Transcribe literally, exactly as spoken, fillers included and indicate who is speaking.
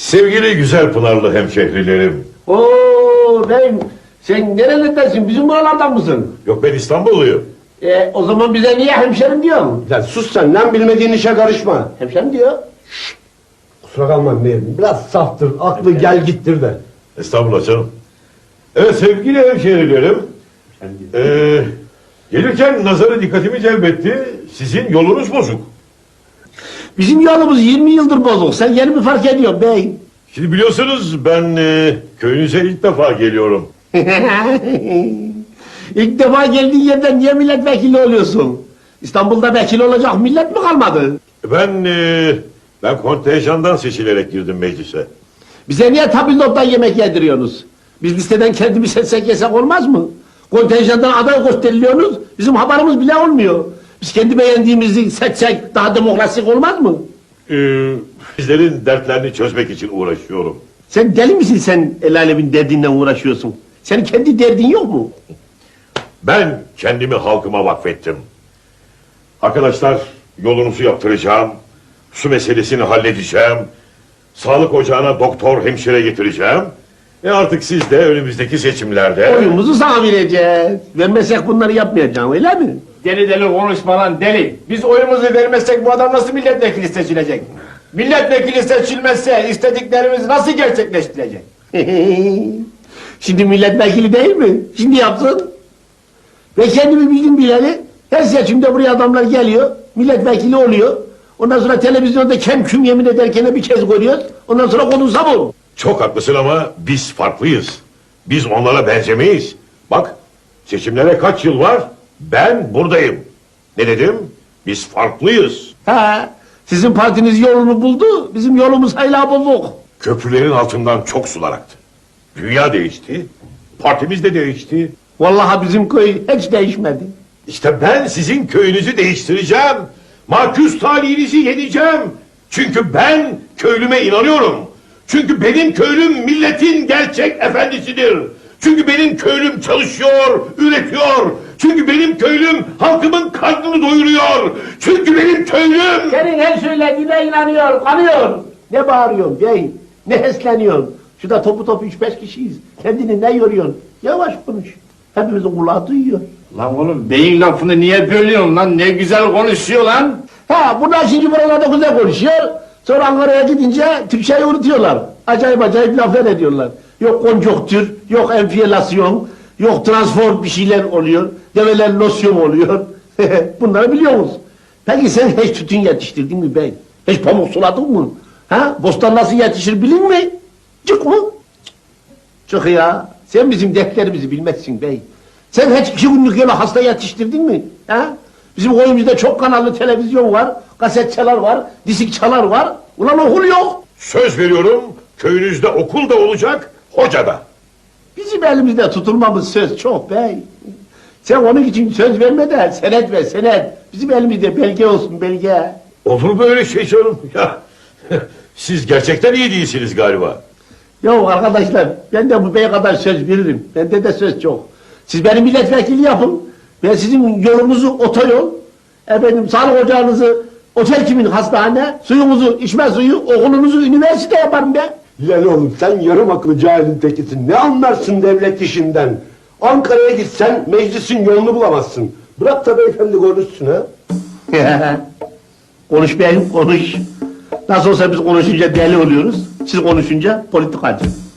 Speaker 1: Sevgili güzel Pınarlı hemşehrilerim.
Speaker 2: Oo ben, sen nerelerdensin? Bizim buralardan mısın?
Speaker 1: Yok, ben İstanbulluyum.
Speaker 2: E, o zaman bize niye hemşerim diyorsun?
Speaker 3: Lan sus sen, lan bilmediğin işe karışma.
Speaker 2: Hemşerim diyor.
Speaker 3: Kusura kalma Mehmet, biraz saftır, aklı gel gittir de.
Speaker 1: Estağfurullah canım. Evet sevgili hemşehrilerim. Ee, gelirken nazarı dikkatimi celbetti. Sizin yolunuz bozuk.
Speaker 2: Bizim yolumuz yirmi yıldır bozuk. Sen yeni mi fark ediyorsun bey?
Speaker 1: Şimdi biliyorsunuz ben e, köyünüze ilk defa geliyorum.
Speaker 2: İlk defa geldiğin yerden niye milletvekili oluyorsun? İstanbul'da vekil olacak millet mi kalmadı?
Speaker 1: Ben e, ben kontenjandan seçilerek girdim meclise.
Speaker 2: Bize niye tabildottan yemek yediriyorsunuz? Biz listeden kendimiz seçsek yesek olmaz mı? Kontenjandan aday gösteriliyorsunuz, bizim haberimiz bile olmuyor. Biz kendi beğendiğimizi seçsek daha demokrasik olmaz mı?
Speaker 1: Ee, sizlerin dertlerini çözmek için uğraşıyorum.
Speaker 2: Sen deli misin, sen el alemin derdinden uğraşıyorsun? Senin kendi derdin yok mu?
Speaker 1: Ben kendimi halkıma vakfettim. Arkadaşlar, yolunuzu yaptıracağım. Su meselesini halledeceğim. Sağlık ocağına doktor, hemşire getireceğim. E artık siz de önümüzdeki seçimlerde...
Speaker 2: Oyumuzu sana vereceğiz. Vermezsek bunları yapmayacaksın, öyle mi?
Speaker 4: Deli deli konuşma lan deli. Biz oyumuzu vermezsek bu adam nasıl milletvekili seçilecek? Milletvekili seçilmezse istediklerimiz nasıl gerçekleştirecek?
Speaker 2: Şimdi milletvekili değil mi? Şimdi yapsın. Ve kendimi bildim bileli her seçimde buraya adamlar geliyor, milletvekili oluyor. Ondan sonra televizyonda kem küm yemin ederken bir kez görüyoruz. Ondan sonra konuşsa bu.
Speaker 1: Çok haklısın ama biz farklıyız. Biz onlara benzemeyiz. Bak, seçimlere kaç yıl var? Ben buradayım. Ne dedim? Biz farklıyız.
Speaker 2: Ha, sizin partiniz yolunu buldu, bizim yolumuz hala bozuk.
Speaker 1: Köprülerin altından çok sular aktı. Dünya değişti. Partimiz de değişti.
Speaker 2: Vallahi bizim köy hiç değişmedi.
Speaker 1: İşte ben sizin köyünüzü değiştireceğim. Maküs talihinizi yeneceğim. Çünkü ben köylüme inanıyorum. Çünkü benim köylüm milletin gerçek efendisidir. Çünkü benim köylüm çalışıyor, üretiyor. Çünkü benim köylüm halkımın karnını doyuruyor. Çünkü benim köylüm...
Speaker 2: Senin her söylediğine inanıyor, kanıyor. Ne bağırıyorsun bey, ne hesleniyorsun? Şurada topu topu üç beş kişiyiz. Kendini ne yoruyorsun? Yavaş konuş. Hepimizin kulağı duyuyor.
Speaker 4: Lan oğlum beyin lafını niye bölüyorsun lan? Ne güzel konuşuyor lan.
Speaker 2: Ha, bunlar şimdi buralarda güzel konuşuyor. Sonra Ankara'ya gidince Türkçeyi unutuyorlar. Acayip acayip laflar ediyorlar. Yok konjonktür, yok enfiyelasyon, yok transform bir şeyler oluyor. Develer losyon oluyor. Bunları biliyor musun? Peki sen hiç tütün yetiştirdin mi bey? Hiç pamuk suladın mı? Ha? Bostan nasıl yetişir bilin mi? Çık mı? Çık ya. Sen bizim dertlerimizi bilmezsin bey. Sen hiç iki günlük yola hasta yetiştirdin mi? Ha? Bizim koyumuzda çok kanallı televizyon var, kasetçalar var, disikçalar var. Ulan okul yok.
Speaker 1: Söz veriyorum, köyünüzde okul da olacak, hoca da.
Speaker 2: Bizim elimizde tutulmamız söz çok bey. Sen onun için söz verme de senet ver senet. Bizim elimizde belge olsun belge.
Speaker 1: Olur böyle şey canım? Ya, siz gerçekten iyi değilsiniz galiba.
Speaker 2: Ya arkadaşlar ben de bu bey kadar söz veririm. Bende de söz çok. Siz benim milletvekili yapın. Ben sizin yolunuzu otoyol, efendim sağlık ocağınızı otel kimin hastane, suyumuzu içme suyu, okulunuzu üniversite yaparım ben.
Speaker 3: Lan oğlum sen yarım akıllı cahilin tekisin, ne anlarsın devlet işinden? Ankara'ya gitsen meclisin yolunu bulamazsın. Bırak da beyefendi konuşsun ha.
Speaker 2: Konuş beyim konuş. Nasıl olsa biz konuşunca deli oluyoruz. Siz konuşunca politikacı.